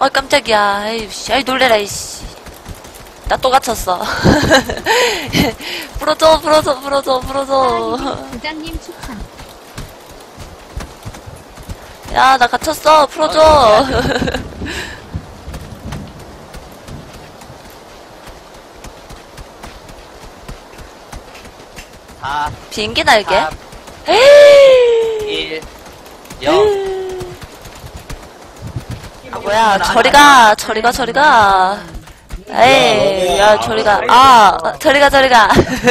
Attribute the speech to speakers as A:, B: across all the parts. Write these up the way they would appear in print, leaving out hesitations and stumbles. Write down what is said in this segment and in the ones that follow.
A: 깜짝이야. 에이씨, 아이, 놀래라, 이씨. 나 또 갇혔어. 풀어줘.
B: 부장님 추천.
A: 야, 나 갇혔어. 풀어줘. 비행기 날개?
C: 1 0
A: 아, 뭐야. 저리가. 에이, 야, 저리가. 저리가. 저리가.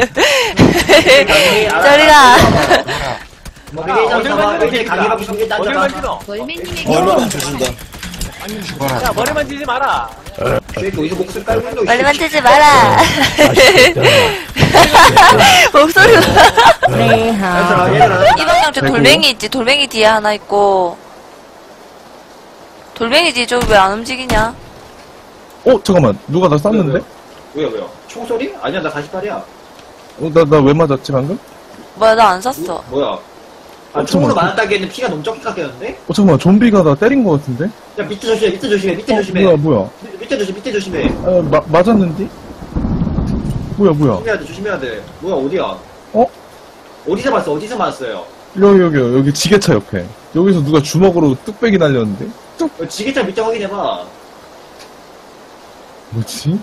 B: 멀맨님에게
D: 얼마나 주신다.
C: 야, 머리 만지지 마라.
A: 멀리 만지지 마라. 목소리가. 이 방향 저 돌멩이 있지. 돌멩이 뒤에 하나 있고. 돌멩이 뒤에 저기 왜 안 움직이냐?
D: 잠깐만. 누가 나 쐈는데?
E: 왜요? 총소리? 아니야, 나 48이야.
D: 나 왜 맞았지, 방금?
A: 뭐야, 나 안 샀어.
E: 뭐야? 총으로
D: 잠깐만.
E: 맞았다기에는 피가 너무 적게 깎였는데?
D: 잠깐만. 좀비가 나 때린 거 같은데?
E: 야, 밑에 조심해.
D: 뭐야.
E: 밑에 조심해.
D: 맞았는데? 뭐야.
E: 조심해야 돼. 뭐야, 어디야?
D: 어?
E: 어디서 맞았어요?
D: 여기 지게차 옆에. 여기서 누가 주먹으로 뚝배기 날렸는데?
E: 지게차 밑에 확인해봐.
D: 뭐지?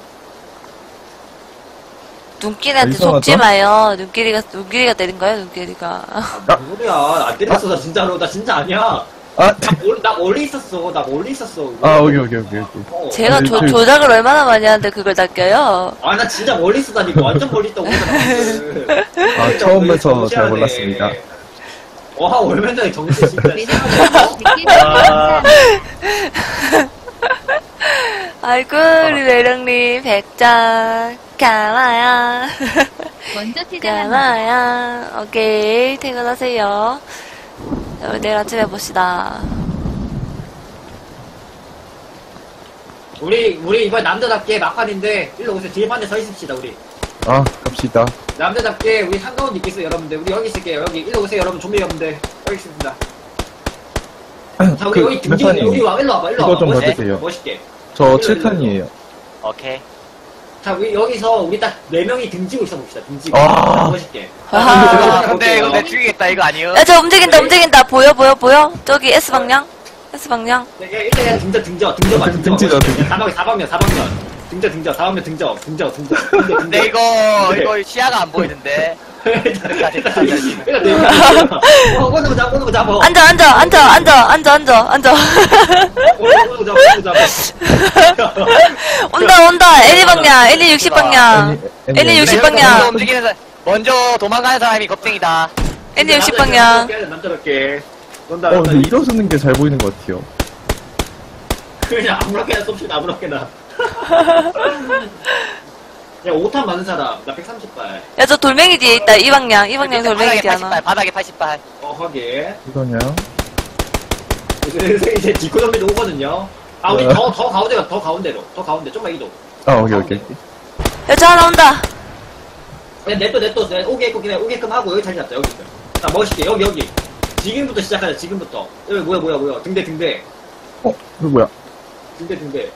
A: 눈길이한테
D: 이상하다.
A: 속지 마요. 눈길이가 때린 거야, 눈길이가.
E: 뭔 소리야. 안 때렸어, 나 진짜로. 나 진짜 아니야. 나 멀리 있었어.
D: 여기.
A: 제가
D: 아니,
A: 조작을 얼마나 많이 하는데 그걸 낚여요?
E: 아, 나 진짜 멀리 있었다니까. 완전 멀리 있다고.
D: 처음에서 잘 몰랐습니다.
E: 와, 얼마 전에 정신 진짜.
B: 매력님
E: 아.
A: 아이고, 우리 매력님, 100장. 가마야.
B: 먼저 퇴근합니다.
A: 가마야. 오케이, 퇴근하세요. 자, 우리 내일 아침에 봅시다.
E: 우리 이번 남자답게 막판인데, 일로 오세요. 뒤판에 서 있읍시다, 우리.
D: 갑시다.
E: 남자답게 우리 한가운데 있겠어요, 여러분들. 우리 여기 있을게요. 여기 일로 오세요, 여러분. 좀비 여러분들. 여기 있습니다. 자, 우리 여기 등지고 여기 와, 일로 와봐.
D: 이거 좀
E: 멋있게.
D: 받으세요.
E: 멋있게.
D: 저 7탄이에요.
C: 오케이.
E: 자, 우리 여기서 우리 딱 4명이 등지고 있어 봅시다. 등지고. 멋있게.
A: 아하.
C: 근데 이거 내 죽이겠다, 이거 아니요?
A: 야, 저 움직인다. 보여? 저기 S방향? S방향?
E: 네, 일단 그냥 등져.
D: 등지자, 등지.
E: 4방면. 등져. 4방면 등져.
C: 근데 이거 시야가 안 보이는데. 됐다.
E: 일단 네 명. 꼬는 거 잡아.
A: 앉아. 온다. L 방향. L 60방향. L
D: 네,
A: 60방향.
C: 먼저 도망가는 사람이 겁쟁이다.
A: L 60방향.
E: 남자답게.
D: 근데 일어서는 게 잘 보이는 것 같아요.
E: 그냥 아무렇게나 쏩시다. 아무렇게나. 야, 5탄 많은 사람. 나 130발.
A: 야, 저 돌멩이 뒤에 있다. 이 방향 돌멩이 뒤에 하나.
C: 바닥에 80발.
E: 확인.
D: 이거냐?
E: 이제 디코 좀비도 오거든요. 우리 더 가운데로. 좀만 이동.
D: 오케이.
A: 야, 저 하나 온다.
E: 그냥 냅둬. 오게끔 하고 여기 자리 잡자. 여기. 자, 멋있게. 여기. 지금부터 시작하자. 여기 뭐야. 등대.
D: 이거 뭐야?
E: 등대.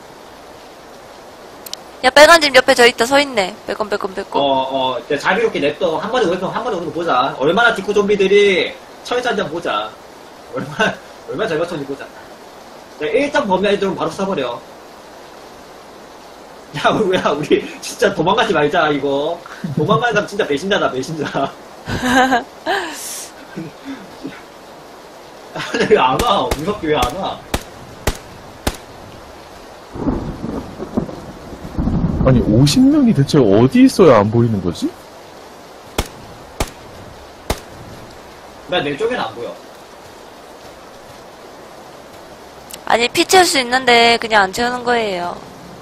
A: 야, 빨간 집 옆에 저 있다. 서 있네. 빼꼼.
E: 이제 자비롭게 냅둬. 한 번에 오는 거 보자. 얼마나 디코 좀비들이 철사 한잔 보자. 얼마나 잘 맞췄는지 보자. 자, 일단 범위 애들은 바로 쏴버려. 야, 우리 진짜 도망가지 말자, 이거. 도망가는 사람 진짜 배신자다. 왜 안 와? 무섭게 왜 안 와?
D: 아니 50명이 대체 어디 있어야 안 보이는 거지?
E: 나 내 쪽에는 안 보여.
A: 아니, 피 채울 수 있는데 그냥 안 채우는 거예요.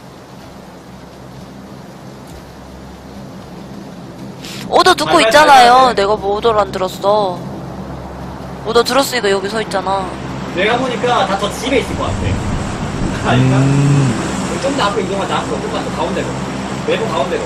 A: 오더 듣고 있잖아요. 내가 뭐 오더를 안 들었어. 오더 들었으니까 여기 서 있잖아.
E: 내가 보니까 다 저 집에 있을 것 같아. 아닌가? 좀 더 앞으로 이동하자. 앞으로 좀만 더 가운데로. 외부 가운데로.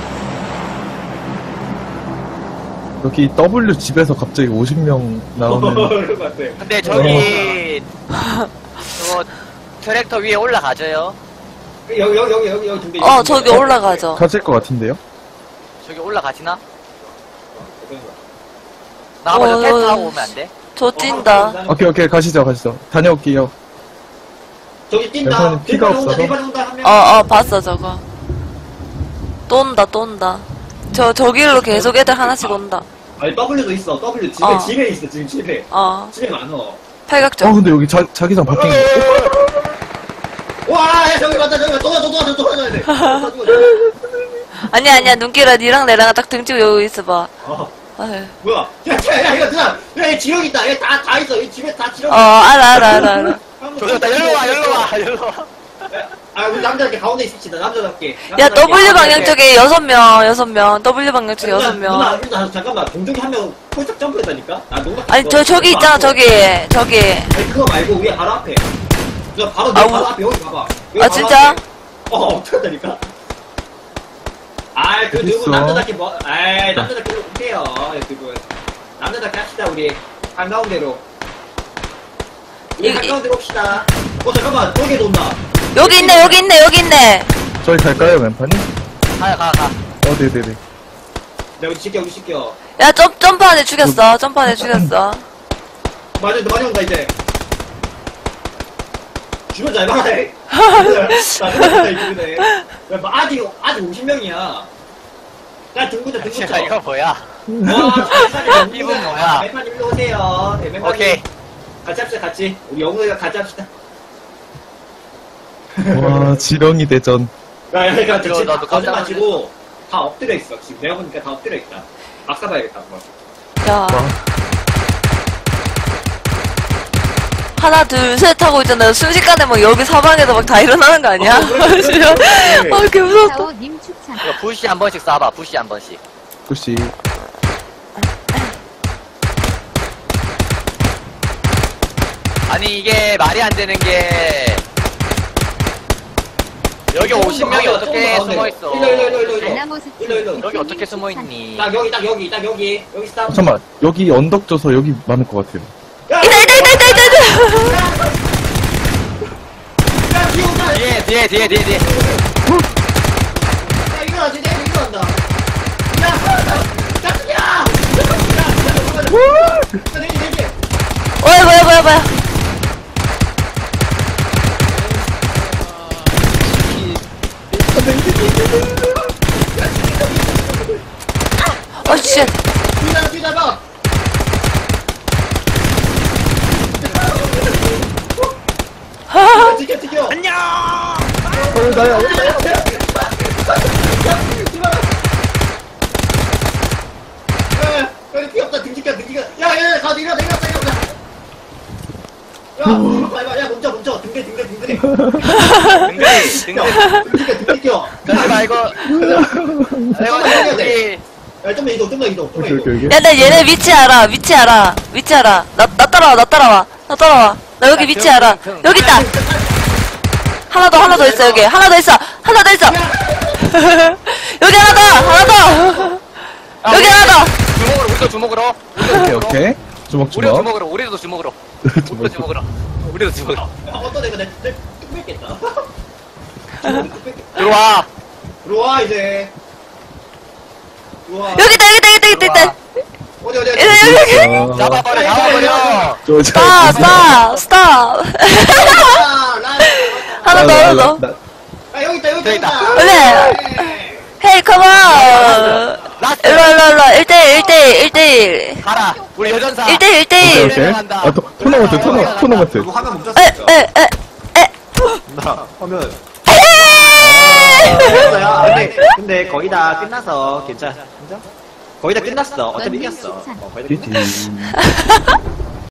D: 여기 W 집에서 갑자기 50명 나오는.
E: 그럴 것 같아.
C: 근데 저기, 저거, 트랙터 위에 올라가줘요.
E: 여기 두 개.
A: 저기 올라가죠.
D: 가질 것 같은데요?
C: 저기 올라가지나? 나 한번 저 테스트 하고 오면 안 돼?
A: 저 찐다.
D: 오케이, 가시죠. 다녀올게요.
E: 저기 뛴다.
D: 대선이 피가 없어서.
E: 대판 온다 한 명.
A: 봤어, 저거. 또 온다. 저 길로 계속 애들 하나씩 온다.
E: 아니 W도 있어. W 집에 있어. 지금 집에. 집에 많어.
A: 팔각정.
D: 근데 여기 자기장 바뀐 거.
E: 와, 야, 저기 맞다. 또 가야 돼.
A: 아니야, 눈길아, 니랑 내랑 딱 등치고 여기 있어봐. 아유.
E: 뭐야? 야, 이거 누나. 야, 여기 지렁 있다. 여기 다 있어. 여기 집에 다 지렁.
A: 알아.
C: 조졌다, 열로 와.
E: 우리 남자답게 가운데 있읍시다. 남자답게.
A: 야, W 방향 쪽에 6명. W 방향 쪽에 6명.
E: 누나, 잠깐만. 동쪽에 한 명 폴짝 점프했다니까?
A: 아니, 저기 있잖아, 저기.
E: 아니, 그거 말고 위에 바로 앞에. 누나 바로 내 바로 앞에 여기 봐봐. 여기 바로
A: 진짜?
E: 앞에. 어떡하다니까? 그 누구
D: 어딨어?
E: 남자답게 남자답게 못해요. 그분. 남자답게 합시다, 우리. 한가운데로. 우리 한가운데로 옵시다. 잠깐만. 저기에 온다.
A: 여기 있네.
D: 저희 갈까요, 왼판이?
C: 가.
D: 네네네.
E: 내가 우리 시켜.
A: 야, 점프 안에 죽였어.
E: 많이 온다, 이제. 주변 잘 봐라, 해. 나 주변에. 아직 50명이야. 야, 등구자.
C: 야, 이거 뭐야?
E: 와,
C: 이분 뭐야?
E: 멤판 일로 오세요. 네, 멤판
C: 오케이.
E: 같이 합시다, 같이. 우리 영웅이가 같이 합시다.
D: 와, 지렁이 대전.
E: 그러니까
C: 이거
E: 지금
C: 나도 깜짝
E: 거짓말치고 다 엎드려 있어. 지금 내가 보니까 다 엎드려 있다. 막 사봐야겠다, 한번.
A: 야. 하나, 둘, 셋 하고 있잖아요. 순식간에 막 여기 사방에서 막 다 일어나는 거 아니야?
E: 그래.
A: 개 무섭다.
B: 사오님 추천.
C: 이거 부시 한 번씩 쏴봐, 부시 한 번씩.
D: 혹시
C: 아니, 이게 말이 안 되는 게. 여기 50명이 어떻게 숨어있어?
E: 일로.
B: 아나모스
E: 일로.
C: 여기 어떻게 숨어있니?
E: 딱 여기 스탑.
D: 잠깐만, 여기 언덕 져서 여기 많을 것 같아요.
E: 야,
A: 있다.
E: 야, 뒤에 온다.
C: 뒤에.
E: 야, 일어나지, 내가 일어난다. 야, 내기.
A: 뭐야. 쉣.
E: 뒤잡아. 튀겨.
C: 안녕!
D: 나야.
E: 야, 귀엽다. 등지가. 야, 가, 내려. 야, 멈춰. 등대.
C: 등등.
E: 등지가.
C: 잠시만, 이거 우리.
E: 야, 좀만 이동.
D: 오케이.
A: 야, 나 얘네 위치 알아. 나 따라와. 나 여기 위치 알아. 여기 있다. 하나 더 있어, 여기. 하나 더 있어. 여기 하나 더. 여기 하나 더.
C: 우리도 주먹으로.
D: 오케이. 주먹.
C: 우리도 주먹으로.
E: 어떤 애가 내 뚝 뺏겠다.
C: 들어와.
E: 이제. 들어와.
A: 여기 있다.
E: 어디.
A: 여기.
C: 잡아버려.
A: 스탑. 하나 더.
E: 아, 여기 있다.
A: 그래. 헤이, 컴온. 일로. 1대1.
C: 가라. 우리 여전사.
A: 1대1.
D: 오케이. 토너먼트.
E: 이거 화면 멈췄어.
F: 나 화면
A: 에.
F: 근데 거의 다 끝나서 괜찮아. 거의 다 끝났어. 어차피 이겼어. 거의 다 끝났어.
D: 띠띠.